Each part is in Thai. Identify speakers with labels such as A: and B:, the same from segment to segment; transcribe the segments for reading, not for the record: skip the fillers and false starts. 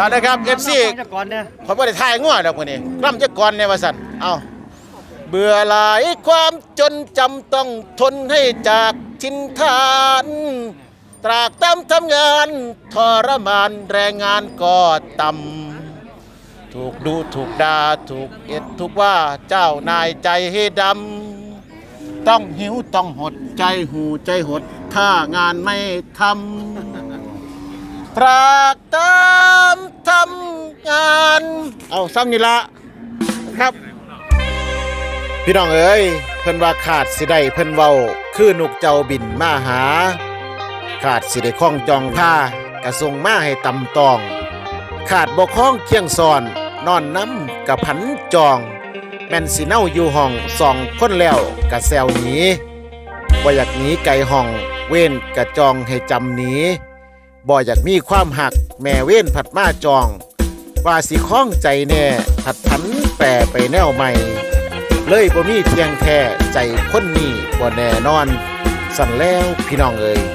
A: เอาเลยครับ FC เขาไม่ได้ทายง่วดอกคนนี้กล้ำจะก่อนในวสันเอาเบื่อหลายความจนจำต้องทนให้จากทินฐานตรากตำทำงานทรมานแรงงานก็ต่ำถูกดูถูกด่าถูกเอ็ดถูกว่าเจ้านายใจให้ดำต้องหิวต้องหดใจหูใจหดถ้างานไม่ทำตรากตำทำงานเอาซ้ำนี่ละครับพี่น้องเอ้ยเพิ่นว่าขาดสิได้เพิ่นเว้าคือนกเจ้าบินมาหาขาดสิได้คล้องจองผ้ากระทรงมาให้ตำตองขาดบ่คล้องเคียงซอนนอนน้ำกะผันจองแม่นสิเน่าอยู่ห้องสองคนแล้วกะแซวหนีบ่อยากหนีไกลห้องเว้นกะจองให้จำหนีบ่อยากมีความหักแม่เว้นผัดมาจองว่าสิคล้องใจแน่ผัดผันแปรไปแนวใหม่เลยบ่มีเพียงแค่ใจคนนี้บ่แน่นอนสั่นแล้วพี่น้องเอ้ย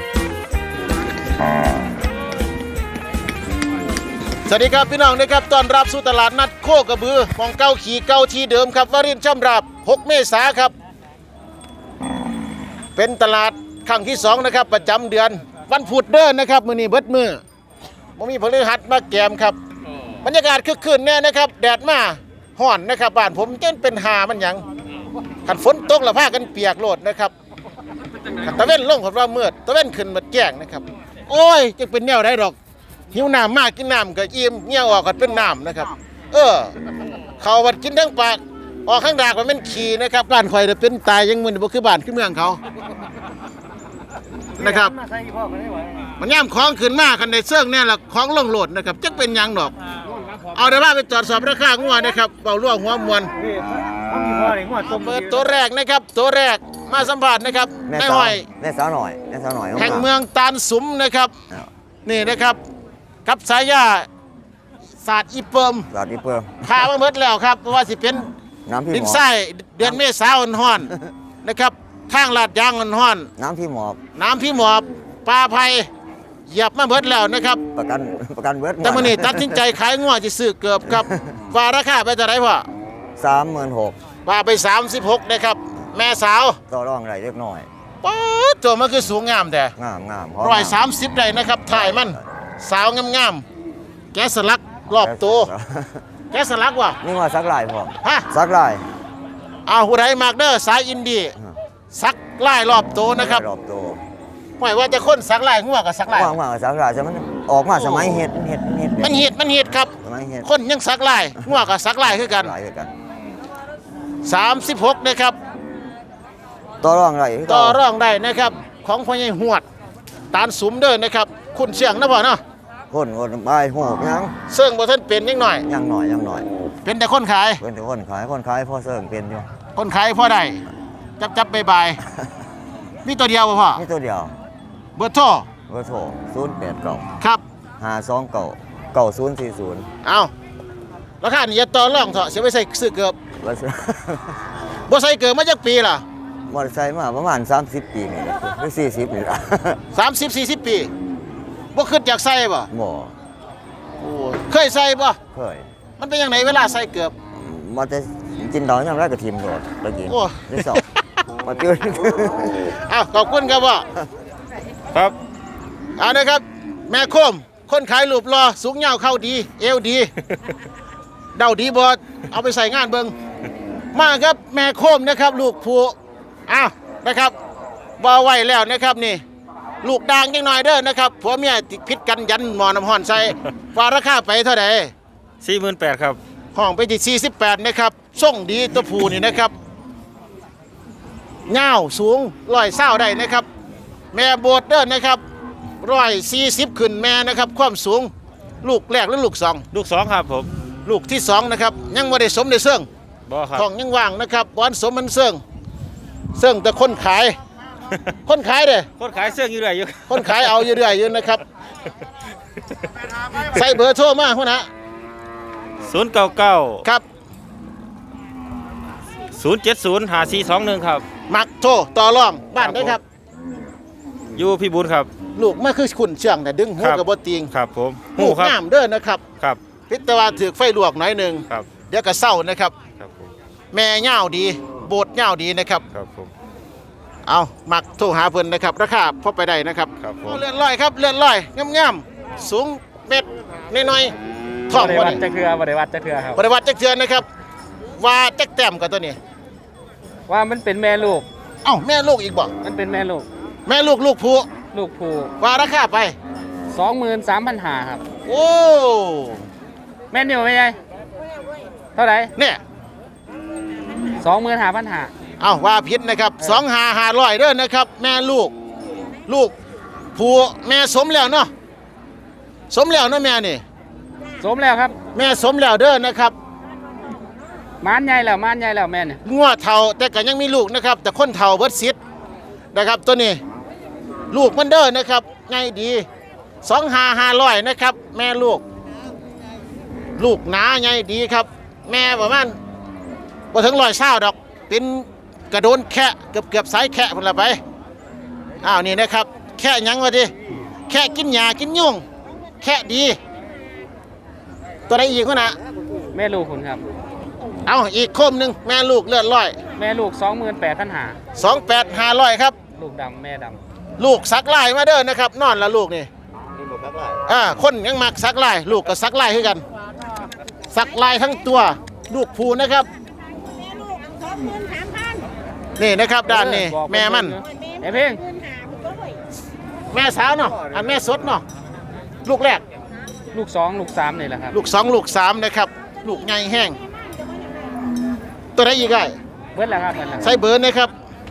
A: สวัสดีครับพี่น้องนะครับต้อนรับสู่ตลาดนัดโคกระบือมองเก้าขี่เก้าที่เดิมครับวรินทร์ช่ำราบ6 เมษายนครับเป็นตลาดครั้งที่2นะครับประจำเดือนวันพุธเด้อนะครับมื้อนี้เบิดมื้อบ่มีพฤหัสมาแกมครับบรรยากาศคึกคืนแน่นะครับแดดมาฮ้อนนะครับบ้านผมจนเป็นหามันหยังคันฝนตกแล้วพากันเปียกโลดนะครับตะเว้นลงผมว่ามืดตะเว้นขึ้นมาแจ้งนะครับโอ้ยจะเป็นแนวได้ดอกหิวน้ำมากกินน้ำก็อิ่มเงี้ยออกก็เป็นน้ำนะครับเขาวัดกินทั้งปากออกข้างดากมันเป็นขี้นะครับบ้านข่อยจะเป็นตายยังมึนบ่คือบ้านคือเมืองเขานะครับมันย่ำของขึ้นมากคันในเสื่องเนี่ยละของลงโหลดนะครับจักเป็นยังดอกเอาได้ว่าไปตรวจสอบราคางัวนะครับเบาล่วงหัวมวลเปิดตัวแรกนะครับตัวแรกมาสัมผัสนะครับนายหอย
B: นายสาวหน่อย
A: แห่งเมืองตาลสุมนะครับนี่นะครับกับสายยาศาสตร์อีเปิมพามาเมิดแล้วครับเพราะว่าสิเป็นดินทรายเดือนเมษายนฮ้อนนะครับข้างลาดยางฮ้อน
B: น้ำพี่หม
A: อบปลาไผ่เหยียบมาเบิดแล้วนะครับ
B: ประกันเบิด
A: แต่มื้อนี้ตัดสินใจขายงัวสิซื้อเกือบครับว่าราคาไปเท่าไหร่พ่อ
B: 36,000
A: ว่าไป36นะครับแม่สาว
B: ต่อรองได้เล็กน้อย
A: ป๊อดตัวมันคือสูงงามแต่
B: งาม
A: 130ได้นะครับถ่ายมันสาวงามๆแกะสลักรอบตัวแกะสลักว่ะ
B: นี่ว่าซักลายพ่อ
A: ฮะ
B: ซักลาย
A: ผู้ใดมากเด้อสายอินดี้ซักลายรอบตัวนะครับ
B: รอบตัว
A: หมายว่าจะคนซักลายงัวกับซักลาย
B: กับซักลายใช่มั้ยออกมาสมัยเฮ็ด
A: มันเฮ็ดครับคนยังซักลายงัวกับซักลายคือกัน36นะครับ
B: ต่อรอง
A: ได้นะครับของพ่อใหญ่หวดตาลสุมเด้อนะครับคุณเชียงนะพ่อเนาะ
B: คนบายโหกยัง
A: เสิ่งบ่ทันเป็นยังหน่อยเป็นแต่คนขาย
B: คนขายพ่อเสิ่งเป็นอยู่
A: คนขายพ่อได้จับบ่ายมีตัวเดียวบ่พ่อ
B: มีตัวเดียว
A: เบอร์โทร
B: 089
A: ครับ
B: 5299040
A: เอาราคานี่อย่าต่อรองเถอะสิไปใส่ซื้อเกือบบ่ใส่เกือบมาจักปีล่ะ
B: มอเตอร์ไซค์มาประมาณ30 ปีนี่หรือ40นี่ล่ะ
A: 30-40 ปีบ่คิดอยากใส่บ่โอ้เคยใส่บ่
B: เคย
A: มันเป็นจังไดเวลาใส่เกือบ
B: มันจะกินดอกยามแรกก็ทิ่มโดดตะกี้ได้สอบมาตื่น
A: ขอบคุณครับพ่อครับนะครับแม่โคมคนขายรูปรอสูงยาวเข้าดีเอวดีเดาดีบ่เอาไปใส่งานเบิ่งมาครับแม่โคมนะครับลูกผู้นะครับบ่ไหวแล้วนะครับนี่ลูกด่างจังหน่อยเด้อนะครับผัวเมียผิดกันยันหมอน้ำห้อนใส่ว่าราคาไปเท่าใด
C: 48,000ครับ
A: ห้องไปที่48นะครับส่งดีตัวผู้นี่นะครับยาวสูง120ได้นะครับแม่โบดเด้อนะครับ140ขึ้นแม่นะครับความสูงลูกแรกหรือลูก2
C: ลูก2ครับผม
A: ลูกที่2นะครับยังบ่ได้สมได้เสื่อง
C: บ่ครับ
A: ท้องยังว่างนะครับบ่สมมันเสื่องแต่คนขาย เด้
C: คนขายเสื่องอยู่เรื่อยอยู่
A: คนขายเอาอยู่เรื่อยอยู่นะครับใส่เบอร์โทรมาพุ่นนะ
C: 099
A: ครับ
C: 0705421ครับ
A: มักโทรต่อรองบ้านได้ครับ
C: อยู่พี่บุญครับ
A: ลูกมันคือขุนเชื่องแต่ดึงหู
C: ครับ
A: กับบ่ติง
C: ครับผม
A: หูงามเด้อนะครับ
C: ครับ
A: พิจารณาถือไฟลวกหน่อยหนึง
C: ครับ
A: เดี๋ยวก็เศร้านะครับ
C: ครับผม
A: แม่เหย้าดีโบดเหย้าดีนะครับ
C: ครับผม
A: เอามักโทรหาเพิ่นนะครับราคาพอไปได้นะครับ
C: ครับผม
A: เอาเลื่อนลอยครับเลื่อนลอยงามๆสูงเม็ดน้อยๆท้อง
D: บริ
A: บ่
D: วั
A: ได้
D: ตจะเครือบริวัตจะเครือครับ
A: บริวัติจักเทือนนะครับว่าจักแต้มกับตัวนี้
D: ว่ามันเป็นแม่ลูก
A: เอ้าแม่ลูกอีกบ่
D: มันเป็นแม่ลูก
A: แม่ลูกลูกผู้
D: ลูกผู
A: ว่าราคาไป
D: 23,500ครับ
A: โอ้
D: แม่นอยู่ไหมยายเท่าไหร่
A: เนี่ย
D: 25,500
A: เอ้าว่าผิดนะครับ2,500เด้อนะครับ แม่ลูก ลูกผู้แม่สมแล้วเนาะสมแล้วเนาะแม่นี่
D: สมแล้วครับ
A: แม่สมแล้วเด้อนะครับ
D: ม้านใหญ่แล้วม้านใหญ่แล้วแม่เนี่ย
A: งัวเฒ่าแต่ก็ยังมีลูกนะครับ แต่คนเฒ่าเบิดสิทธิ์นะครับตัวนี้ ลูกมันเด้อนะครับง่ายดี2,500นะครับ แม่ลูก ลูกหนาใหญ่ดีครับ แม่ประมาณบ่ถึง120ดอก เป็นกระโดนแค่เกือบสายแค่พุ่นละไปอ้าวนี่นะครับ แค่หยังวะดิแค่กินหญ้ากินยุงแค่ดี ตัวใดอีกวะนะ
D: แม่ลูกคุณครับ
A: เอาอีกโคมหนึงแม่ลูกเลือดร้อย
D: แม่ลูก 28,500
A: 28,500ครับ
D: ลูกดำแม่ด
A: ลูกสักลายมาเด้อนะครับ นอนละลูกนี่คนยังมักสักลาย ลูกก็สักลายคือกัน สักลายทั้งตัว ลูกผูนะครับ นี่นะครับ
D: ำ
A: ด้านนี้แม่มัน
D: ไอ้เพ่ง
A: แม่สาวเนาะอันแม่สดเนาะลูกแรก
D: ลูก 2 ลูก 3นี่แหละครับ
A: ลูก2ลูก3นะครับ ลูกใหญ่แห้ง ตัวไหนอีกไอ้
D: เบิดแล้วครับเบิดแล้ว
A: ใส่เบอร์นะครับ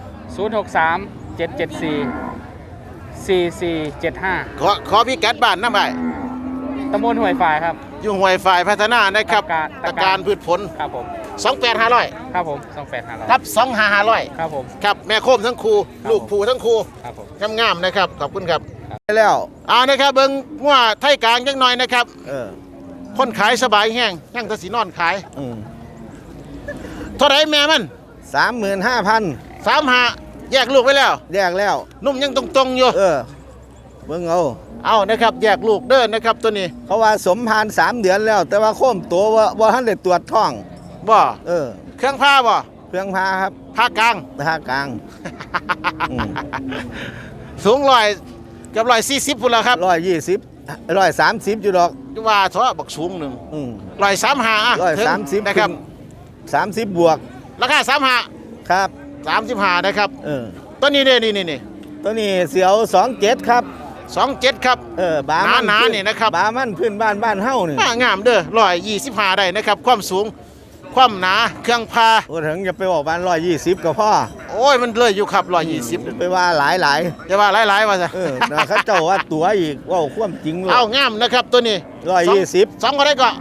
D: 063 774 4475
A: ขอพี่กัดบ้านน้ำไอ้
D: ตำบลห้วยฝ่ายครับ
A: อยู่ห้วยฝ่ายพัฒนานะครับ
D: ตะการ
A: ตะการพืชผล
D: ครับผม
A: 28,500
D: ครับผม28,500
A: ครับ2,500
D: ครับผม
A: ครับแม่โคมทั้งครู
D: ครับ
A: ลูกผูทั้งครู
D: ครับผม
A: งามๆนะครับขอบคุณครับ
B: แล้ว
A: เอานะครับเบิ่งว่าไทยกลางจังหน่อยนะครับ คนขายสบายแห้งยังแตะสีนอนขายเท่าไหรแม่มัน
B: 35,000
A: 35แยกลูกไปแล้ว
B: แยกแล้ว
A: นุ่มยังตรงๆอยู่
B: เบิ่งเอา
A: เอานะครับแยกลูกเด้อนะครับตัวนี้
B: เขาว่าสมพาน3 เดือนแล้ว แต่ว่าโค้มตัวว่าท่านได้ตรวจท้อง
A: บ่ เครื่องผ้าบ่
B: เครื่องพาครับ
A: ผ้ากลาง
B: ภาคกลาง อืม
A: สูงร้อยเกือบ140พุ่นแล้วครับ
B: 120 130อยู่ดอก
A: ว่าเถอะบักสูงหนึ่ง
B: อืม
A: 135อ่ะถึง
B: 130
A: นะครับ
B: 30 บวก
A: ราคา35
B: ครับ
A: 35นะครับ ตัวนี้เด้นี่
B: ตัวนี้เสียว 27 ครับ
A: 27ครับ
B: บามัน
A: หนาๆนี่นะครับ
B: บามันพื้นบ้านเฮานี่
A: งามเด้อ125ได้นะครับ ความสูงความหนาเครื่องพา
B: โอ้ถึงอย่าไปบอกบ้าน120ก็พอ
A: โอ้ยมันเลยอยู่ครับ120
B: ไปว่าหลาย
A: จะว่าหลายๆว่าซะ
B: นะเขาเจ้าว่าตัวอีกว่าความจริงเลย
A: เอางามนะครับตัวนี้
B: 120
A: สองก็ได้ก็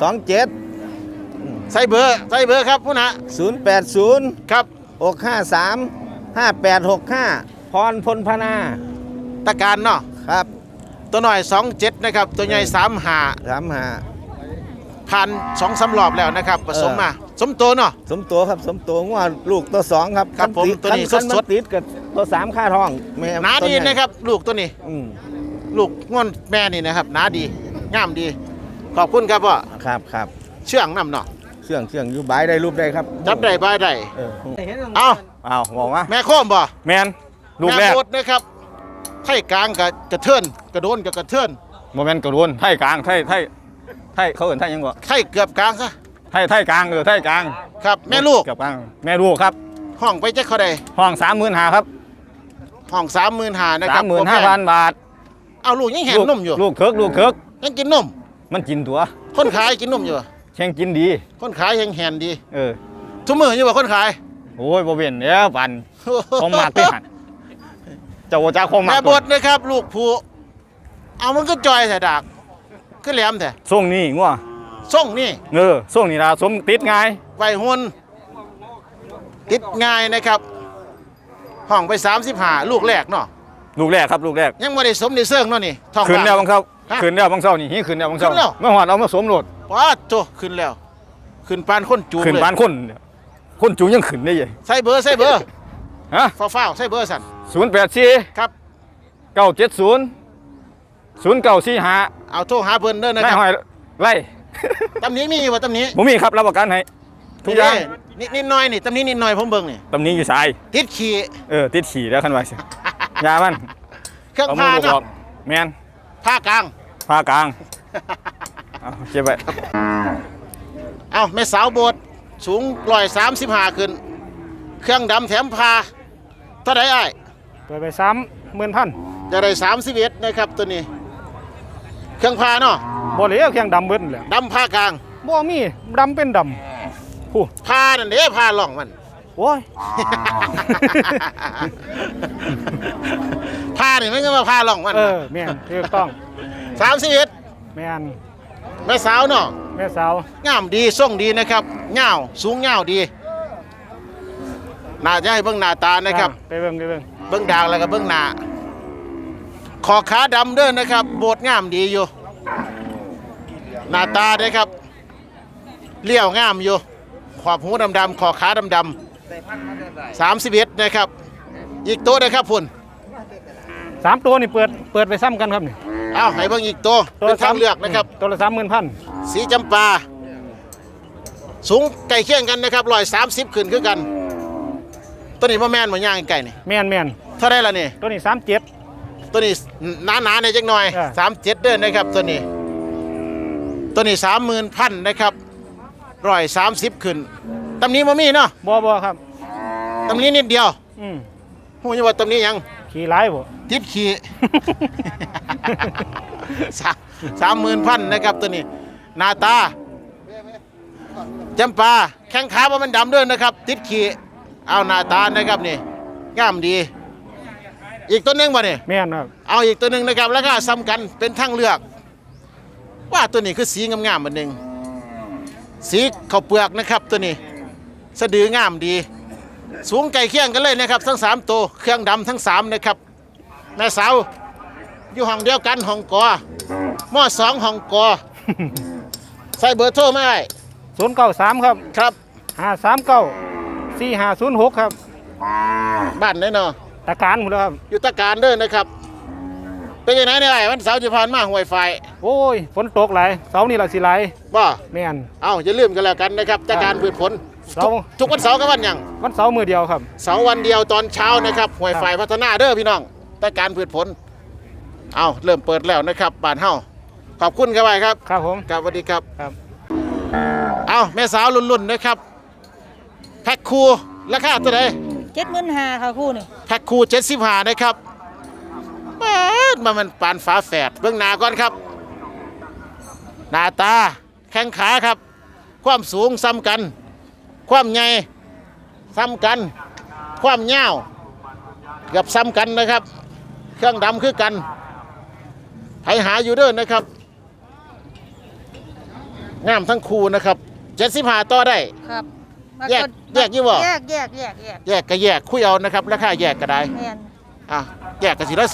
B: 27
A: ใส่เบอร์ครับผู้นะ
B: 080
A: ครับ
B: 653 5865 พรพลพนา
A: ตะการเนาะ
B: ครับ
A: ตัวหน่อย27นะครับตัวใหญ่35
B: 35
A: ผ่าน2-3รอบแล้วนะครับผสมมาสมโตเนาะ
B: สมตัวครับสมตัวงวดลูกตัว2ครับ
A: ครับผมตัวนี้
B: คั
A: สดๆ
B: ติดกับตัว3ค่าท้องแม่
A: หนาดี
B: ตัวใหญ่
A: นะครับ ลูกตัวนี้
B: อืม
A: ลูกง่อนแม่นี่นะครับหนาดีงามดี ขอบคุณครับพ่อ
B: ครับ
A: เชื่องน้ำเนาะ
B: เชื่องอยู่บายได้รูปได้ครับ
A: จับได้บายได้
B: เออ
A: เอา
C: อ้าวบอกว่า
A: แม่โคมบ่
C: แมนลูกแรก
A: ม่โคตรนะครับไทยกลางกับกระเทือนกระโดนกับกระเทือน
C: โมเมนต์กระโดนไทยกลางไทยเขาเห็นไทยยังบ่
A: ไทยเกือบกลางซะ
C: ไทยกลางไทยกลาง
A: ครับแม่ลูก
C: เกือบกลางแม่ลูกครับ
A: ห้องไปจะเขาใด
C: ห้อง35,000ครับ
A: ห้อง35,000นะครับ
C: 35,000 บาท
A: เอาลูกยังแหนนมอยู่
C: ลูกเคิก
A: ยังกินนม
C: มันกินตัว
A: คนขายกินนมอยู่
C: แข่งกินดี
A: คนขายยังแหนดี
C: เออ
A: ทุกมืออยู่ว่าคนขาย
C: โอ้ยบ่เว้นแล้วปันของมากที่หันเจ้าจ้าของมาก
A: แม่บดนะครับ ลูกผู้เอามันก็จอยแต่ดากก็แหลมแต่
C: ส่งนี่งัว
A: ส่งนี่
C: ส่งนี่ล่ะสมติดง่าย
A: ไวหุ่นติดง่ายนะครับ ห้องไป35ลูกแรกเนาะ
C: ลูกแรกครับลูกแรก
A: ยังไม่ได้สมในเสื่องเนาะนี่ท้อง
C: ขึ้นแล้วบางเช้า
A: ฮะ
C: ขึ้นแล้วบางเช้านี่ขึ้นแล้วบางเช้า
A: ขึ้นแล้ว
C: เมื่อวานเอามาสวมรถ
A: ป้าดโตขึ้นแล้ว ขึ้นปานคนจูง
C: ขึ้น
A: เลย
C: บ้านคนจูงยังขึ้นได้ยัง
A: ใส่เบอร์
C: ฮะ
A: ฟ้าวๆใส่เบอร์สั่น
C: 084
A: ครับ
C: 0970 0945
A: เอาโทรหาเพิ่นเด้อนะ
C: นา
A: ค
C: ย
A: รับ
C: หอยไล่
A: ตำหนี้มีบ่ตำหนี้
C: ผมมีครับรับประกันให้ทุกอย่าง
A: นิดหน่อยนี่ตำหนี้นิดหน่อยผมเบิ่งนี่
C: ตำนี้อยู่สาย
A: ติดขี้
C: ติดขี่แล้วคันว่าสิยามัน
A: เครื่อง
C: เอามื
A: พา
C: อบอก
A: เนาะ
C: แมน
A: ผ้ากลาง
C: พากลางเอาเก็บไว้
A: เอาแม่สาวโบสถ์สูง135ขึ้น เครื่องดำแถมพาเท่าไหร่อ้าย
D: เปิดไป30,000
A: จะได้31นะครับตัวนี้ เครื่องพาเนาะ
D: บ่เหลียวเคียงดำเบิดแหละ
A: ดำผ้ากลาง
D: บ่มีดำเป็นดำผู้
A: พานั่นเด้พาล่องมัน
D: โอ้ย
A: พานี่มันก็มาพาล่องมัน
D: แม่นถูกต้อง
A: 31
D: แม่น
A: แม่สาวเนาะ
D: แม่สาว
A: งามดีทรงดีนะครับเงาวสูงเงาวดีน่าจะให้เบิ่งหน้าตานะครับ
D: ไปเบิ่ง
A: เบิ่งดางแล้วก็เบิ่งหน้าขอขาดำเด้อนะครับ โบดงามดีอยู่หน้าตาเด้อครับเลี้ยวงามอยู่ขอบหูดำๆขอขาดำๆ31นะครับ อีกตัวนะครับพุ่น
D: 3ตัวนี่เปิดไปซ้ำกันครับนี่
A: เอาให้เบิ่งอีกตัวเป็นทางเลือกนะครับ
D: ตัวละ30,000
A: สีจำปาสูงใกล้เคียงกันนะครับ130ขึ้นคือกันตัวนี้บ่แม่นบ่ย่างไก่นี่
D: แม่น
A: เท่าไรล่ะนี่
D: ตัวนี้37
A: ตัวนี้หนาๆในจักหน่อย
D: อ่า
A: 37เด้อนะครับตัวนี้30,000นะครับ130ขึ้นตำนี้บ่มีเนาะ
D: บ่ครับ
A: ตำนี้นิดเดียว
D: อืม
A: ฮู้อยู่ว่าตำนี้หยัง
D: ขี่หลายบ่
A: ติดขี้ 30,000นะครับตัวนี้หน้าตาจำปาแข้งขาบ่มันดำด้วยนะครับ ติดขี้เอาหน้าตานะครับนี่งามดี อีกตัวหนึงบ่นี่
D: แม่นครับ
A: เอาอีกตัวหนึ่งนะครับแล้วก็ซ้ำกันเป็นทางเลือก ว่าตัวนี้คือสีงามๆอันหนึ่งสีข้าวเปลือกนะครับตัวนี้สะดืองามดี สูงไก่เคียงกันเลยนะครับทั้ง3ตัวเครื่องดำทั้ง3นะครับแม่สาวอยู่ห้องเดียวกันห้องกอม2ห้องกอ ใส่เบอร์โทรไม่ได้
D: 093ครับ
A: ครับ
D: 539 4506ครับ
A: บ้านไหนเนาะ
D: ตะการหมดแล้วครับ
A: อยู่ตะการเด้อนะครับ เป็นยังไงเนี่ยไอ้วันเสาร์จะผ่านมาห่วยไฟ
D: โอ้ยฝนตกหลายเสาร์นี่ล่ะสิหลาย
A: บ่
D: แม่น
A: เอาอย่าลืมกันแล้วกันนะครับตะการพืชผล
D: เสาร์
A: ทุกวันเสาร์กับวันหยัง
D: วันเสาร์มื้อเดียวครับ
A: เสาร์วันเดียวตอนเช้านะครับห่วยไฟพัฒนาเด้อพี่น้องตะการพืชผลเอาเริ่มเปิดแล้วนะครับบ้านเฮาขอบคุณครับไว้ครับ
D: ครับผม
A: ครับสวัสดีครับ
D: ครับ
A: เอาแม่สาวรุ่นๆนะครับแพ็คคูราคาเท่าไหร่
E: 75,000ค่ะคู่นี่
A: แพ็คคู75นะครับมันปานฝาแฝดเบื้องหน้าก่อนครับหน้าตาแข้งขาครับ ความสูงซ้ำกัน ความใหญ่ซ้ำกัน ความยาวเกือบซ้ำกันนะครับ เครื่องดำคือกันให้หาอยู่เด้อนะครับงามทั้งคู่นะครับ75ต่อได้
E: ครับ
A: แยกอยู่บ่
E: แยก
A: แยกก็แยกคุยเอานะครับราคาแยกก็ได้
E: แม่น
A: แยกกันสิละ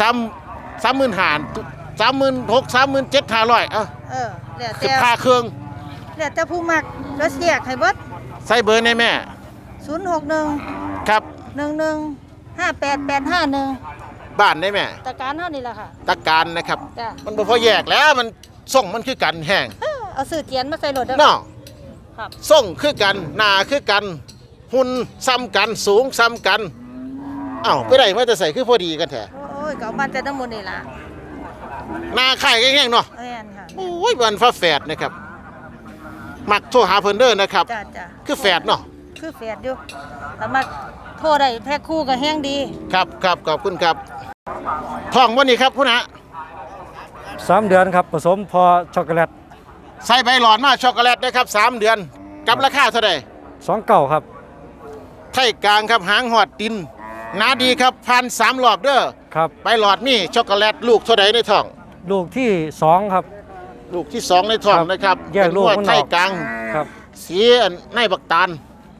A: 36,000 37,500
E: แล้ว
A: คือ
E: แต่
A: พาเครื่อง
E: แล้วแต่ผู้มักก็แยกให้เบิด
A: ใส่เบอร์ในแม่
E: 061
A: ครับ
E: 11 58851
A: บ้านในแม่
E: ตะการเฮานี่ล่ะค่ะ
A: ตะการนะครับ
E: จ้ะ
A: มันบ่พอแยกแล้วมันส่งมันคือกันแห้ง
E: เอาซื้อเจียนมาใส่รถเด้อ
A: เนาะ
E: ครับ
A: ส่งคือกันหน้าคือกันหุ่นซ้ำกันสูงซ้ำกันไปได้มาจะใส่คือพอดีกันแท้
E: โอ้ยก็เอามาแต่น้ำมันนี่ล่ะ
A: หน้าไข่แห้งๆเนาะ
E: แม่นค่ะ
A: โอ้ยวันฟ้าแฝดนะครับมักโทรหาเพิ่นเด้อนะครับ
E: จ้ะ
A: คือแฝดเนาะ
E: คือแฝดอยู่แต่มาโทรได้แพ็คคู่ก็แห้งดี
A: ครับขอบคุณครับท้องวันนี้ครับพุ่นฮะ
F: 3 เดือนครับผสมพอช็อกโกแลต
A: ใส่ใบหลอดมาช็อกโกแลตนะครับ3 เดือนกับราคาเท่าไหร่
F: 29ครับ
A: ไทยกลางครับหางหอดดินหนาดีครับพัน3 รอบเด้อ
F: ครับ
A: ใบหลอดมีช็อกโกแลตลูกเท่าใดในท้อง
F: ลูกที่ 2 ครับ
A: ลูกที่ 2 ในท้อง
F: ครับ
A: นะครับ
F: แยกลูก
A: เป็น
F: มันออก
A: ไทยกลาง
F: ครับ
A: สีในบักตาล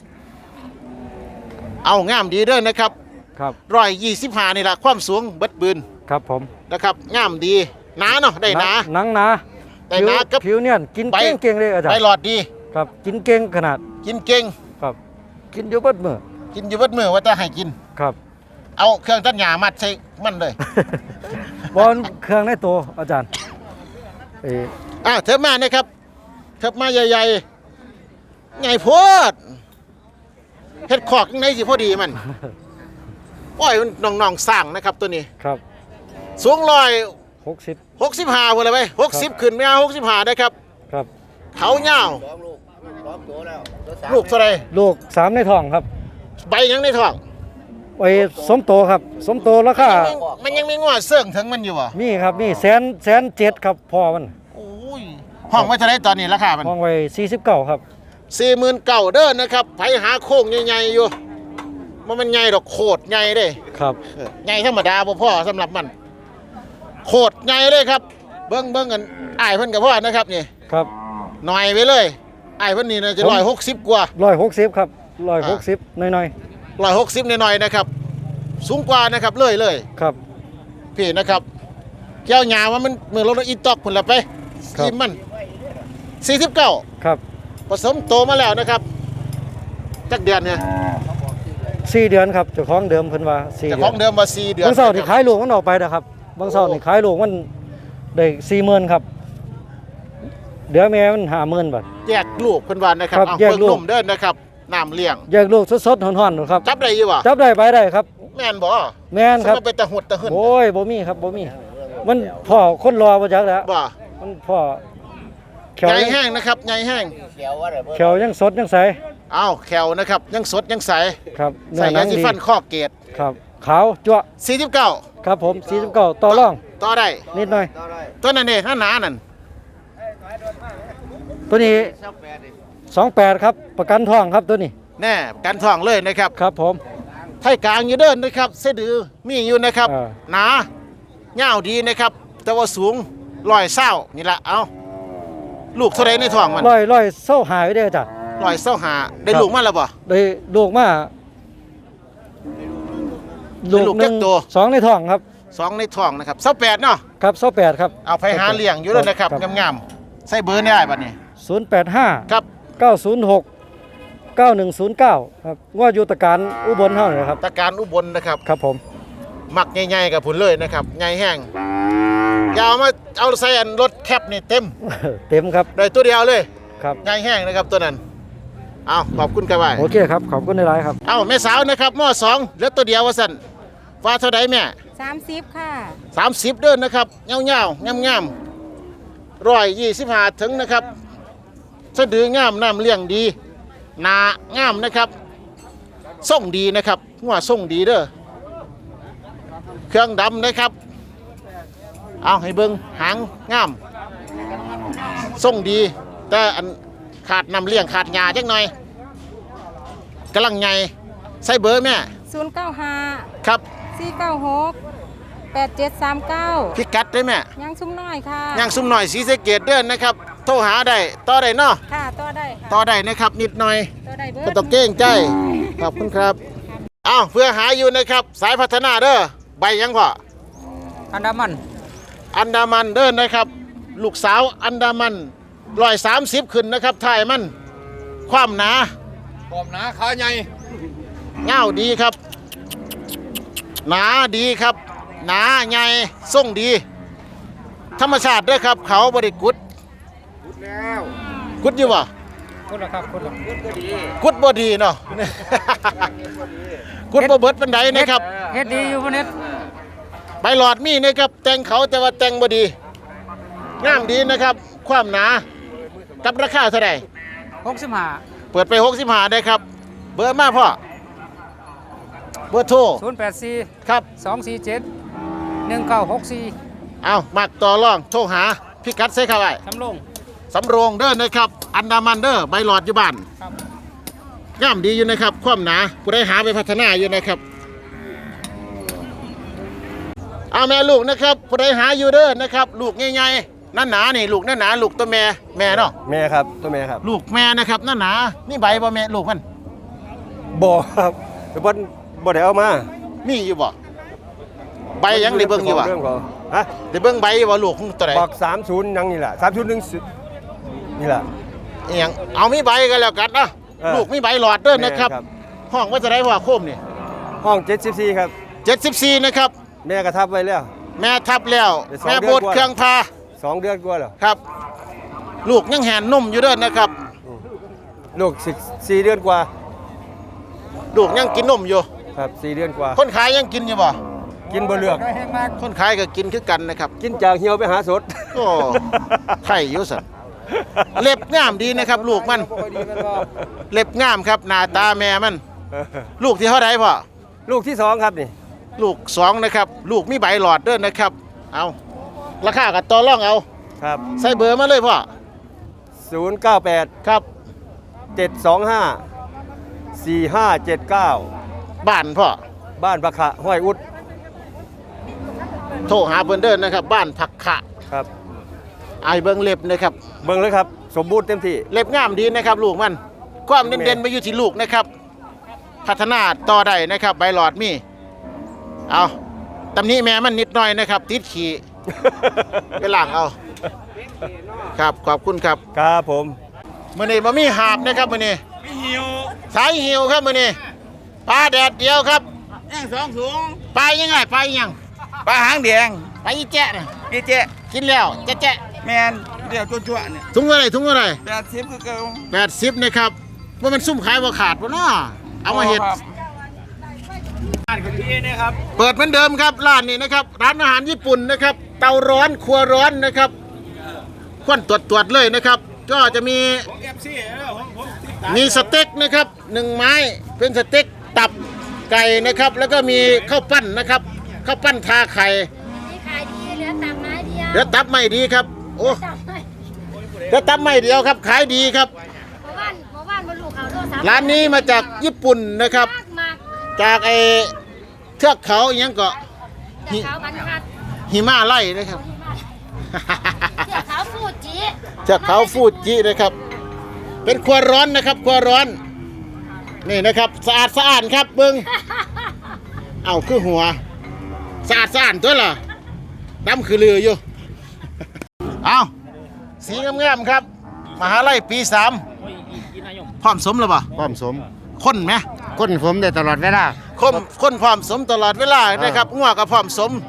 A: เอางามดีเด้อนะครับ
F: ครับ
A: 125นี่ล่ะความสูงเบิดบืน
F: ครับผม
A: นะครับงามดีหนาเนาะได้หนา
F: หนังหนา
A: แต่หนากับ
F: ผิวเนี่ยกิน
A: ใบ
F: เก่งๆเลยอาจาร
A: ใบ
F: ย์
A: หลอดดี
F: ครับกินเก่งขนาด
A: กินเก่ง
F: ครับกินอยู่เบิดมื้อ
A: กินอยู่เบิดมือว่าจะให้กิน
F: ครับ
A: เอาเครื่องตัดหญ้ามัดใส่มันเลย
F: บอลเครื่องในตัวอาจารย์เอ้
A: เถิบมานะครับเถิบมาใหญ่ๆไงโพดเฮ็ดขอกยังไงสิพอดีมันโอ้ยมันน้องๆสร้างนะครับตัวนี้
F: ครับ
A: สูง
F: 60
A: 65พุ่นเลยไป60ขึ้นไม่เอา65ได้ครับ
F: ครับ
A: เขายาวลูกเท่าไหร่
F: ลูก3ในท้องครับ
A: ใบยังในท้อง
F: ไอ้สมโตครับสมโตราคา
A: มันยังมีงวดเสื่องถึงมันอยู่บ่
F: มีครับมีแสนเจ็ดครับพอมัน
A: โอ้ยห้องไว้เท่าไหร่ตอนนี้ราคามัน
F: ห้องไว้49ครับ
A: 49,000เด้อนะครับไผหาโค้งใหญ่ๆอยู่มันใหญ่ดอกโคตรใหญ่เด้
F: ครับ
A: ใหญ่ธรรมดาบ่พอสำหรับมันโคตรใหญ่เลยครับเบิ่งกันอ้ายเพิ่นก็พอนะครับนี่
F: ครับ
A: หน่อยไปเลยอ้ายเพิ่นนี่น่าจะ160กว่า
F: 160ครับ160หน่อย
A: 160หน่อยๆนะครับสูงกว่านะครับเลย
F: ๆครับ
A: พี่นะครับแก้วหญ้าว่ามันมือรถอีตอกพุ่นละไป
F: ครับ
A: กินมัน49
F: ครับ
A: ผสมโตมาแล้วนะครับจักเดือนเนี่ย
F: 4 เดือนครับเจ้าของเดิมเพิ่นว่า4
A: แต่
F: เดื
A: ข
F: อ
A: อน งเดิมมา4เดือน
F: บางเสาร์นี่ขายลูกมันออกไปนะครับบางเสาร์นี่ขายลูกมันได้40,000ครับเดี๋ยวแม่มัน50,000บาท
A: แยกลูกเพิ่นว่านะครับ
F: ครับ
A: เอา
F: แยก
A: เบิ่ง
F: ลูก
A: นมเด้อนะครับน้ำเลี้ยง
F: แยกลูกสดๆฮ้อนๆครับ
A: จับได้อยู่บ่
F: จับได้ไปได้ครับ
A: แม่นบ่
F: แม่นครับ
A: สมมุติเป็นตะหุดตะหึ่น
F: โอ้ยบ่มีครับบ่มีมันพ่อคนรอบ่จักแล้ว
A: บ่
F: มันพ่อแขว
A: ใหญ่
F: ยัง
A: แห้งนะครับใหญ่แห้ง
F: แขวยังสดยังใส
A: อ้าวแขวนะครับยังสดยังใส
F: ครับเนื้
A: ใส่
F: อหนั
A: ยาง สี
F: ดี
A: ฟันข้อเกต
F: ครับขาวจั่ว
A: 49
F: ครับผม49ต่อรอง
A: ต่อได้
F: นิดหน่อย
A: ตัวนั้นนี่หนาๆนั่น
F: ตัวนี้28ครับประกันทองครับตัวนี้
A: แน่กันท้องเลยนะครับ
F: ครับผม
A: ไทยกลางอยู่เด้อนนะครับเสดือมีอยู่นะครับ
F: อ่า
A: หนาเงาวดีนะครับ แต่ว่าสูง120นี่ละเอาลูกเท่าไรในท้องมัน
F: ร้อยเศร้าหายไว้ได้อจ้ะ
A: 125ได้ลูกมาแล้วบ่
F: ได้ลูกมา
A: ได้ลูก
F: หนึ่ง
A: จักตัว
F: สองในท้องครับ
A: 2ในท้องนะครับ28เนาะ
F: ครับ28ครับ
A: เอาไปหาเลี้ยงอยู่แล้วนะครับงามๆใส่เบอร์ได้บัดนี้
F: 085
A: ครับ
F: 906 9109ครับว่าอยู่ตะการอุบลเฮานี่ครับ
A: ตะการอุบลนะครับ
F: ครับผม
A: มักใหญ่ๆกับผุนเลยนะครับใหญ่แห้งอย่าเอามาเอาใส่อันรถแคปนี่เต็ม
F: เต็มครับ
A: ได้ตัวเดียวเลย
F: ครับ
A: ใหญ่แห้งนะครับตัวนั้นเอาขอบคุณครับไว้
F: โอเคครับขอบคุณในไลน์ครับ
A: เอาแม่สาวนะครับม.2เหลือตัวเดียวว่าสั่นว่าเท่าใดแม่
E: 30ค่ะ
A: 30เด้อนนะครับเงาๆงามๆ125ถึงนะครับสะดืองามน้ำเลี้ยงดีหนางามนะครับส่งดีนะครับหัวส่งดีเด้อเครื่องดำนะครับเอาให้เบิ่งหางงามส่งดีแต่อันขาดน้ำเลี้ยงขาดหญ้าจักหน่อยกำลังใหญ่ใส่เบอร์แม่
E: 095
A: ครับ
E: 496 8739
A: พิกัดได้แม่
E: ยังชุ่มน้อยค่ะ
A: ย่างซุ่มหน่อยสีสะเกตเด้อนนะครับโทรหาได้ต่อได้เนาะ
E: ค่ะต่อได้ค่ะ
A: ต่อได้นะครับนิดหน่อย
E: ต่อได้เบิ
A: ก็
E: ด
A: ต้องเก้งใจขอบคุณครับอ้าวเพื่อหาอยู่นะครับสายพัฒนาเด้อใบยังพ่อ
D: อันดามัน
A: อันดามันเด้อนะครับ ลูกสาวอันดามัน130ขึ้นนะครับถ่ายมันความหนา
C: ปอมนะขาใหญ่
A: เงาดีครับ หนาดีครับ หนาใหญ่ทรงดี ธรรมชาติเด้อครับ เขาบริกุดกุดอยู่บ่
D: คุณละครับคุณละ
A: กุดบ่ดีเนาะ กุดบ่เบิดปานใดนะครับ
D: เฮ็ดดีอยู่พวกนี้
A: ใบหลอดมีนะครับแต่งเขาแต่ว่าแต่งบ่ดีงามดีนะครับ ความหนากับราคาเท่าไหร่
D: 65
A: เปิดไป65ได้ครับ เบอร์มาพ่อเบอร์โทร
D: 084
A: ครับ
D: 247 1964
A: เอามักต่อรองโทรหาพี่กัดใส่เข้าไว้
D: สำลง
A: สำโรงเด้อนะครับ อันดามันเด้อใบหลอดอยู่บ้าน
D: ครับ
A: งามดีอยู่นะครับ ความหนาผู้ใดหาไปพัฒนาอยู่นะครับเอาแม่ลูกนะครับผู้ใดหาอยู่เด้อนะครับ ลูกใหญ่ๆนั่นหนานี่ลูกนั่นหนาลูกตัวแม่เนาะ
B: แม่ครับตัวแม่ครับ
A: ลูกแม่นะครับนั่นหนานี่ใบบ่แม่ลูกมัน
B: บ่ครับแต่บ่ได้เอามา
A: มีอยู่บ่ใบยังได้เบิ่งอยู่บ่
B: เรื่องของฮะ
A: ได้เบิ่งใบอยู่บ่ลูกของตัวใด
B: บอก30ยังนี่แหละ30นี่แหละ
A: อีหยังเอามีใบกันแล้วกันนะ ลูกมีใบหลอดเด้อนะครับ
B: แม่ครับ
A: ห้องว่าจะได้ว่าโคมนี่
B: ห้อง74ครับ
A: 74นะครับ
B: แม่กระทับไว้แล้ว
A: แแม่ทับแล้ว
G: ได้สอง
A: แม่
G: เดื
A: โบ
G: อน
A: ด
G: กว่า
A: เครื่องพา
G: 2 เดือนกว่าแล้ว
A: ครับ ลูกยังแหนนุ่มอยู่เด้อนะครับ
G: ลูก4 เดือนกว่า
A: ลูกยังกินนมอยู่
G: ครับ4 เดือนกว่า
A: คนขายยังกินอยู่บ่
G: กินบ่เลือก
A: คนขายก็กินคือกันนะครับ
G: กินจากเหี่ยวไปหาสด
A: โอ้ไข่อยู่สันเล็บงามดีนะครับ ลูกมัน เล็บงามครับหน้าตาแม่มัน ลูกที่เท่าไหร่พ่อ
G: ลูกที่2ครับนี่
A: ลูก2นะครับ ลูกมีใบหลอดเด้อนะครับ เอาราคากับต่อรองเอา
G: ครับ
A: ใส่เบอร์มาเลยพ่อ
G: 098
A: ครับ
G: 725 4579
A: บ้านพ่อ
G: บ้านประขะห้วยอุด
A: โทรหาเพิ่นเด้อนะครับ บ้านผักขะ
G: ครับ
A: ไอายเบิ่งเล็บนะครับ
G: เบิ่งเลยครับ สมบูรณ์เต็มที่
A: เล็บงามดีนะครับ ลูกมัน ความเด่นๆไปอยู่ที่ลูกนะครับ พัฒนาต่อได้นะครับ ใบหลอดมี เอาตำหนี้แม่มันนิดหน่อยนะครับ ติดขี่ ไปล้างเอา ครับขอบคุณครับ
G: ครับผม
A: มื้อนี้บ่มีหาบนะครับมื้อนี้มีหิวสายหิวครับมื้อนี้ปลาแดดเดียวครับย่าง2ถุงปลายังไงปลาอีหยังปลาหางแดงปลาอีแจ๊ะน่ะอีแจ๊ะกินแล้วแจ๊ะแม่นเดี๋ยวจั่วๆเนี่ยถุงเท่าไหร่ถุงเท่าไหร่80คือเก่า80นะครับว่ามันซุ่มขายบ่ขาดบ่เนาะเอามาเฮ็ดเปิดเหมือนเดิมครับร้านนี้นะครับร้านอาหารญี่ปุ่นนะครับ เตาร้อนครัวร้อนนะครับควันตรวจเลยนะครับ ก็จะมีสเต็กนะครับ1ไม้เป็นสเต็กตับไก่นะครับ แล้วก็มีข้าวปั้นนะครับข้าวปั้นทาไข่
H: นี่ขายดีเหลือตับไม้เดียว
A: เดี๋ยวตับไม่ดีครับโอ้
H: ตับไม้
A: เดี๋ยวตับไม่เดียวครับขายดีครับ
H: หมู่บ้านบรรลุเขาโลสาม
A: ร้านนี้มาจากญี่ปุ่นนะครับ
H: มาก
A: จากไอเทือกเขาอหยังก็
H: เสือขาวบรรทัด
A: หิมาไล่นะครับ
H: เสือขาวฟูจิ
A: จากเขาฟูจินะครับ เป็นครัวร้อนนะครับครัวร้อนนี่นะครับสะอาดสะอาดครับเบิ้งเอาคือหัวสะอาดสะอาดตัวล่ะดำคือเรืออยู่ เอาสีงามๆครับ มหาลัยปี3พร้อมสมหรือเปล่า
B: พร้อมสม
A: คนไหม
B: คนผมได้ตลอดเวลา
A: คนพร้อมสมตลอดเวลานะครับงัวก็พร้อมสม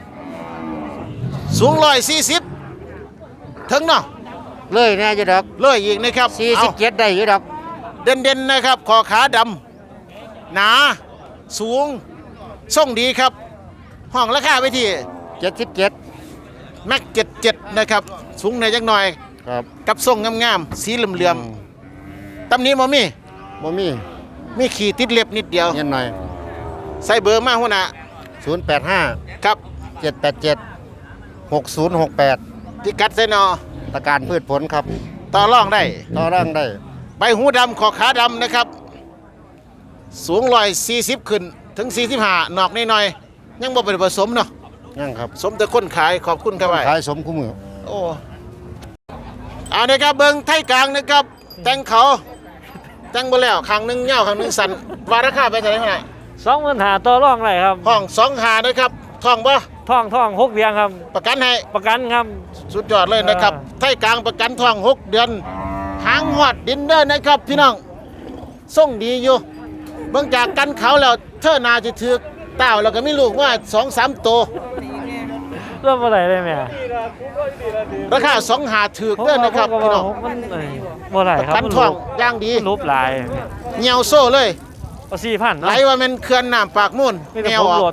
A: สูง140ถึงเนาะ
B: เลยแน่อยู่ดอก
A: เลยอีกนะครับเอา
B: 47ได้อยู่ดอก
A: เด่นๆนะครับคอขาดำหนาสูงส่งดีครับห้องราคาไปที่
B: 77
A: แม็ก77นะครับสูงในอยจักหน่อย
B: ครับ
A: กับทรงงามๆสีเหลื่อมๆตำนี้บ่มี
B: บ่มี
A: มีขีดติดเล็บนิดเดียว
B: เงินหน่อย
A: ใส่เบอร์มาหัวหน้า
B: 085
A: ครับ
B: 787 6068
A: พิกัดใส่นอ
B: ตะการพืชผลครับ
A: ต่อรองได้
B: ต่อร่างได้
A: ใบหูดำคอขาดำนะครับ สูง140ขึ้นถึง45นอกนิดหน่อยยังบ่เป็นผสมเนาะ
B: ยังครับ
A: สมแต่คนขายขอบคุณครับไว้
B: ขายสมคู่มือ
A: โอ้เอานะครับเบิ้งไทยกลางนะครับ แต่งเขาแต่งบ่แล้วข้างหนึงยาวข้างหนึงสั้นว่าราคาไปเท่าไหร่เท่าไหร่
F: 25,000ต่อรองได้ครับ
A: ห้อง2หานะครับท่องบ่
F: ท่อง6เดือนครับ
A: ประกันให้
F: ประกันครับ
A: สุดยอดเลยนะครับ ไทยกลางประกันท่อง6 เดือนหางหอดดินเดอร์นะครับ พี่น้องส่งดีอยู่เบิ่งจากกันเขาแล้วเธอนาจะถือเต้าแล้วก็มีลูกว่า 2-3 ตัว
F: เริ่มอะไรได้ไหม
A: ราคา2หาถือเด้อนะครับพี่น้อง
F: มันบ่ไหล
A: ประ
F: ครับ
A: กันท่องอย่างดี
F: รูปลาย
A: เหี่ยวโซ่เลย
F: เอา4,000
A: ไหลว่ามันเขื่อนน้ำปากมูล
F: มีแต่
A: แน
F: ผ
A: ว
F: ม
A: อ
F: โหล
A: อก
F: ด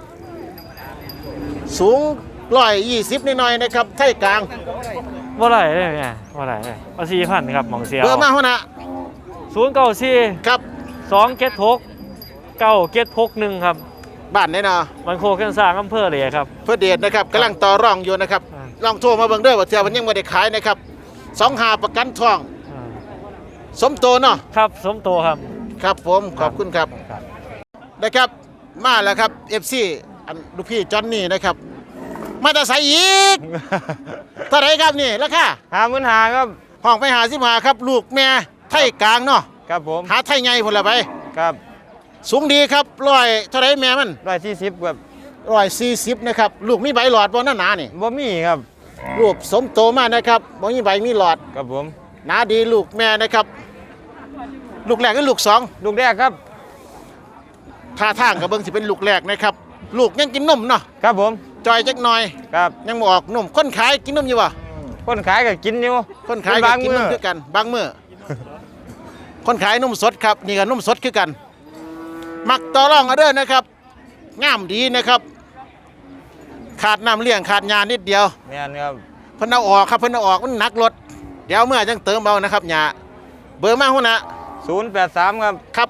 A: สูง120นิดหน่อยนะครับไทยกลาง
F: บ่ไหลได้ไหมบ่ไหลได้เอา4,000ครับหม่องเสียว
A: เบอร์มาหัวหน้า
F: 094
A: ครับ
F: 276 9761ครับ
A: บ้านแน่นอน
F: มันโคกันสร้างอำเภอเลยครับ
A: เพื่อเดชนะครับกำลังต่อรองอยู่นะครับ
F: อ่า
A: ลองโทรมาเบิ่งเด้อว่าเทื่อมันยังไม่ได้ขายนะครับ2หาประกันทอง สมโตเนาะ
F: ครับสมโตครับ
A: ครับผมขอบคุณครับนะครับมาแล้วครับ FC อันลูกพี่จอนนี่นะครับ มาแต่ใส่อีก เท่าไหรครับนี่ราคา
B: 55,000ครับ
A: ห้องไปหา15ครับ ลูกแม่ไทยกลางเนาะ
B: ครับผม
A: หาไทยใหญ่พุ่นละไป
B: ครับ
A: สูงดีครับเท่าไหรแม่มัน
B: 140ครับ
A: 140นะครับลูกมีใบหลอดบ่หนาๆนี่
B: บ่มีครับ
A: ลูกสมโตมานะครับบ่มีใบมีหลอด
B: ครับผม
A: หนาดีลูกแม่นะครับ ลูกแรกกับลูกสอง
B: ลูกแรกครับ
A: ท่าทางกับเบิ่งสิเป็นลูกแรกนะครับ ลูกยังกินนมเนาะ
B: ครับผม
A: จอยจักหน่อย
C: ครับ
A: ยังบ่ออกนมคนขายกินนมอยู่บ่
C: คนขายก็กินอยู่
A: คนขายก็กินนมคือกันบางมื้อ คนขายนมสดครับนี่ก็นมสดคือกัน มักต่อรองเอาเด้อนะครับงามดีนะครับ ขาดน้ำเลี้ยงขาดยานิดเดียว
C: แม่นครับ
A: เพิ่นเอาออกครับเพิ่นเอาออกมันหนักรถเดี๋ยวเมื่อจังเติมเอานะครับยาเบอร์มาหุ่นนะ
C: 083ครับ
A: ครับ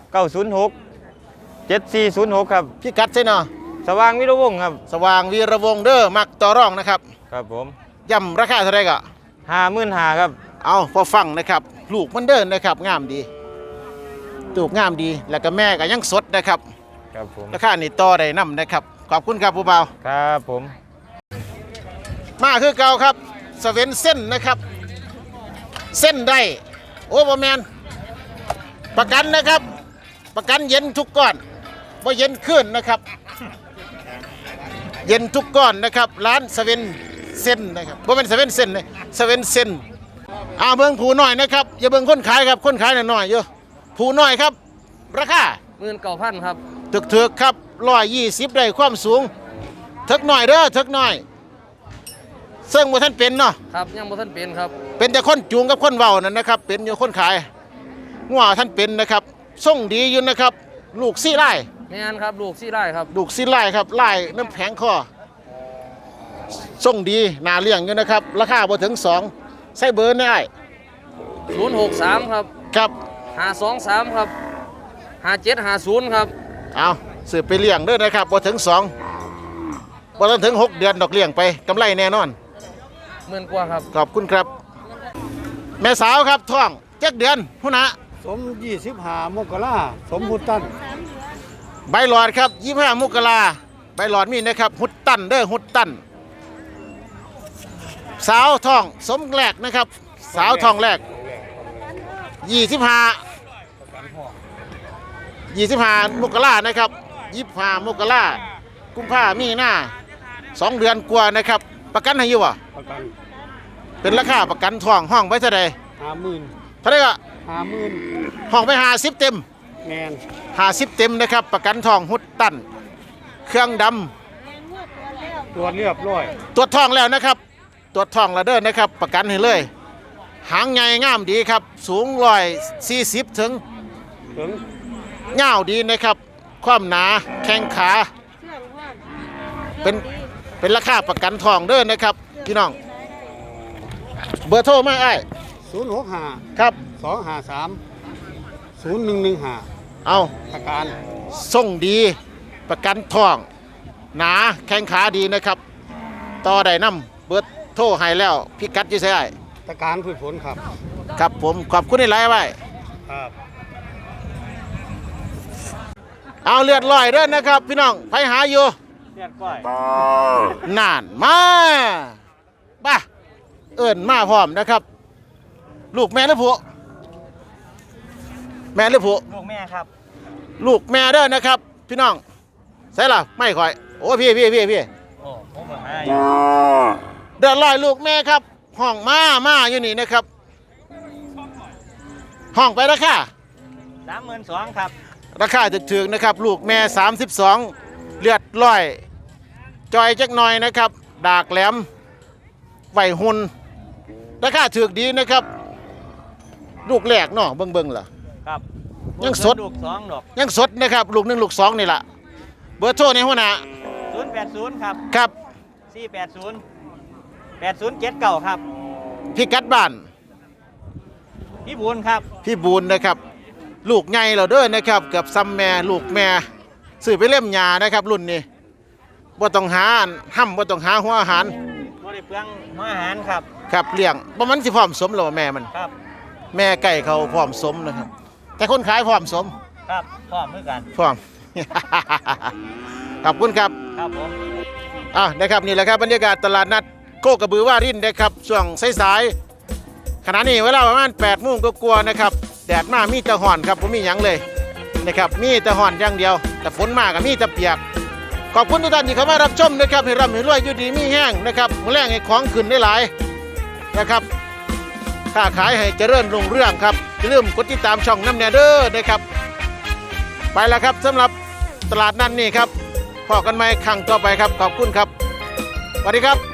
C: 906 7406ครับ
A: พี่กัดใช่เนาะ
C: สว่างวิรวงศ์ครับ
A: สว่างวีระวงศ์เด้อมักต่อรองนะครับ
C: ครับผม
A: ย่ำราคาเท่าไหร่ก็
C: 55,000ครับ
A: เอาพอฟังนะครับลูกมันเดินนะครับงามดีตูกงามดีแล้วก็แม่ก็ยังสดนะครับ
C: ครับผม
A: ราคานี่ต่อได้นํนะครับขอบคุณครับผู้เบา
C: ครับผม
A: มาคือเก่าครับสเวนเส้นนะครับ เส้นได้โอ้บ่แมนประกันนะครับ ประกันเย็นทุกก้อนบ่เย็นขึ้นนะครับ เย็นทุกก้อนนะครับร้านสเวนเส้นนะครับบ่เป็นสเวนเส้นเลยสเวนเส้นเบิ่งผูน้อยนะครับอย่าเบิ่งคนขายครับคนขายน้อยๆอยู่ผูน้อยครับราคา
D: 19,000ครับ
A: ถึกๆครับ120ได้ความสูงถึกหน่อยเด้อถึกหน่อยซึ่งบ่ท่านเป็นเนาะ
D: ครับยังบ่ทันเป็นครับ
A: เป็นแต่คนจูงกับคนเว้านั่นนะครับ เป็นอยู่คนขายงัวท่านเป็นนะครับส่งดีอยู่นะครับ ลูกซี่ไล่
D: แม่นครับลูก4ไร่ครับ
A: ลูกซี่ไล่ครับไล่น้ำแข็งคอส่งดีน่าเลี้ยงอยู่นะครับราคาบ่ถึง2ใส่เบอร์ได้
D: 063ครับ
A: ครับ
D: 523ครับ5750ครับ
A: เอาสืบไปเลี้ยงเด้อนะครับบ่ถึง2บ่ต้องถึง6 เดือนดอกเลี้ยงไปกำไรแน่นอน
D: 10,000กว่าครับ
A: ขอบคุณครับ แม่สาวครับท้อง7 เดือนพุ่นนะ
F: สม25มกราสมพุตัน
A: ใบหลอดครับ25 มกราใบหลอดมีนะครับหุดตันเด้อหุดตันสาวทองสมแรกนะครับ สาวทองแรก25 มกรานะครับ25 มกรากุมภามีหน้า2 เดือนกว่านะครับ ประกันให้อยู่บ่
F: ประกัน
A: เป็นราคาประกันทองห้องไว้เท่าใด
F: 50,000
A: เท่าไหร่ก็
F: 50,000
A: ห้องไป50 เต็ม
F: แมน
A: 50 เต็มนะครับ ประกันทองหุดตันเครื่องดำ
F: ตัวเรียบร้อย
A: ตรวจทองแล้วนะครับ ตรวจทองแล้วเด้อนะครับ ประกันให้เลย หางใหญ่งามดีครับ สูง140ถึง
F: ถึง
A: ยาวดีนะครับ ความหนาแข้งขาเป็นราคาประกันทองเด้อนะครับพี่น้อง เบอร์โทรมาไอ้
F: 065
A: ครับ
F: 253 0115
A: เอา
F: ประกัน
A: ส่งดีประกันทอง หนาแข้งขาดีนะครับ ต่อได้นำเบอร์โทรให้แล้วพิกัดอยู่ไสไอ้
F: ประกันพืชผลครับ
A: ครับผมขอบคุณในไลน์ไว้
F: ครับ
A: เอาเลือดลอยเด้อนะครับ พี่น้องไปหาอยู่
C: เรียกก้อย
A: นานมาบ้าเอิ้นมาพร้อมนะครับ ลูกแม่หรือผัวแม่หรือผัว
C: ลูกแม่ครับ
A: ลูกแม่เด้อนะครับ พี่น้องใส่ล่ะไม่ค่อยโอ้พี่
C: โอ้ผมมาให้
A: เดือดลอยลูกแม่ครับห้องมาอยู่นี่นะครับ ห้องไปราคา
C: 32,000ครับ
A: ราคาถึกๆนะครับ ลูกแม่ 32 เลือดลอย จอยจักหน่อยนะครับ ดากแหลมไหวหุ่นราคาถึกดีนะครับ ลูกแรกเนาะเบิ่งล่ะ
C: ครับ
A: ยังสด
C: ลูก2ดอก
A: ยังสดนะครับ ลูก1ลูก2นี่ล่ะเบอร์โทรในหัวหน้า
C: 080ครับ
A: ครับ
C: 480 8079ครับ
A: พี่กัดบ้าน
C: พี่บุญครับ
A: พี่บูนนะครับ ลูกใหญ่เราเด้อนะครับเกือบซ้ำแม่ลูกแม่ซื้อไปเล่มยานะครับ รุ่นนี้บ่ต้องหาห้ำบ่ต้องหาหัวอาหาร
C: บ่ได้เปลืองหัวอาหารครับ
A: ครับเลี้ยงบ่มันสิพร้อมสมแล้วว่าแม่มัน
C: ครับ
A: แม่ไก่เขาพร้อมสมนะครับ แต่คนขายพร้อมสม
C: ครับพร้อมมือกัน
A: พร้อม ขอบคุณครับ
C: ครับผม
A: นะครับนี่แหละครับบรรยากาศตลาดนัดโคกระบือว่ารินนะครับช่วงสายๆขณะนี้เวลาประมาณ8 โมงก็กลัวนะครับแดดมามีแต่ห่อนครับผมมีหยังเลยนะครับมีแต่ห่อนอย่างเดียว แต่ฝนมาก็มีแต่เปียกขอบคุณทุกท่านที่เข้ามารับชมนะครับให้ร่ำให้รวยอยู่ดีมีแห้งนะครับมื้อแรงให้ของขึ้นได้หลายนะครับค้าขายให้เจริญรุ่งเรืองครับอย่าลืมกดติดตามช่องน้ำแนเดอร์นะครับไปแล้วครับสำหรับตลาดนัดนี่ครับพอกันไหมครั้งต่อไปครับขอบคุณครับสวัสดีครับ